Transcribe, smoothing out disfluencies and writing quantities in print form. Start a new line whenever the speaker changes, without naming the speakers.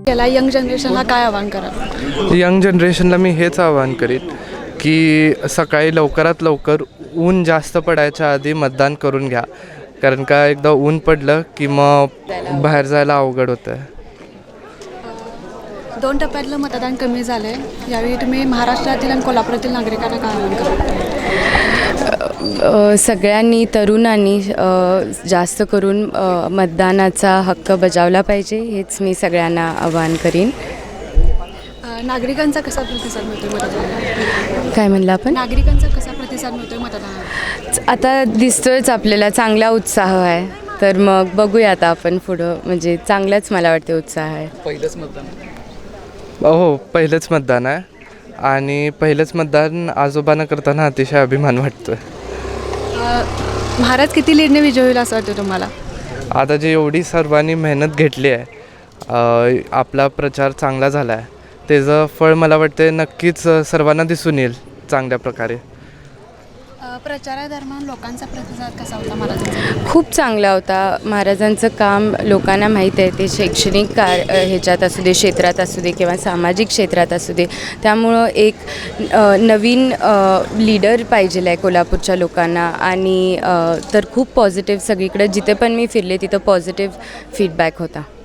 याला यंग जनरेशनला काय आवाहन करा?
यंग जनरेशनला मी हेच आवाहन करीन की सकाळी लवकरात लवकर ऊन जास्त पडायच्या आधी मतदान करून घ्या, कारण का एकदा ऊन पडलं की मग बाहेर जायला अवघड होतं.
2 टप्प्यातलं मतदान कमी झालं आहे, यावेळी तुम्ही महाराष्ट्रातील आणि कोल्हापुरातील नागरिकांना काय आवाहन करा?
सगळ्यांनी तरुणांनी जास्त करून मतदानाचा हक्क बजावला पाहिजे, हेच मी सगळ्यांना आवाहन करीन.
नागरिकांचा कसा प्रतिसाद मिळतो मतदानाला?
काय म्हणलं आपण?
नागरिकांचा कसा प्रतिसाद मिळतो मतदानाला?
आता दिसतोयच आपल्याला चांगला उत्साह आहे, तर मग बघूया आता आपण पुढं, म्हणजे चांगलाच मला वाटते उत्साह आहे.
पहिलंच मतदान?
हो, पहिलंच मतदान आहे आणि पहिलंच मतदान आजोबांना करताना अतिशय अभिमान वाटतो.
महाराज किती लीडने विजय होईल असं वाटतं तुम्हाला?
आता जे एवढी सर्वांनी मेहनत घेतली आहे, आपला प्रचार चांगला झाला आहे, त्याचं फळ मला वाटते नक्कीच सर्वांना दिसून येईल चांगल्या प्रकारे.
प्रचारादरम्यान लोकांचा प्रतिसाद कसा होता महाराजांचा?
खूप चांगला होता. महाराजांचं काम लोकांना माहीत आहे, ते शैक्षणिक ह्याच्यात असू दे, क्षेत्रात असू दे किंवा सामाजिक क्षेत्रात असू दे, त्यामुळं एक नवीन लीडर पाहिजे आहे कोल्हापूरच्या लोकांना. आणि तर खूप पॉझिटिव्ह, सगळीकडे जिथे पण मी फिरले तिथं पॉझिटिव्ह फीडबॅक होता.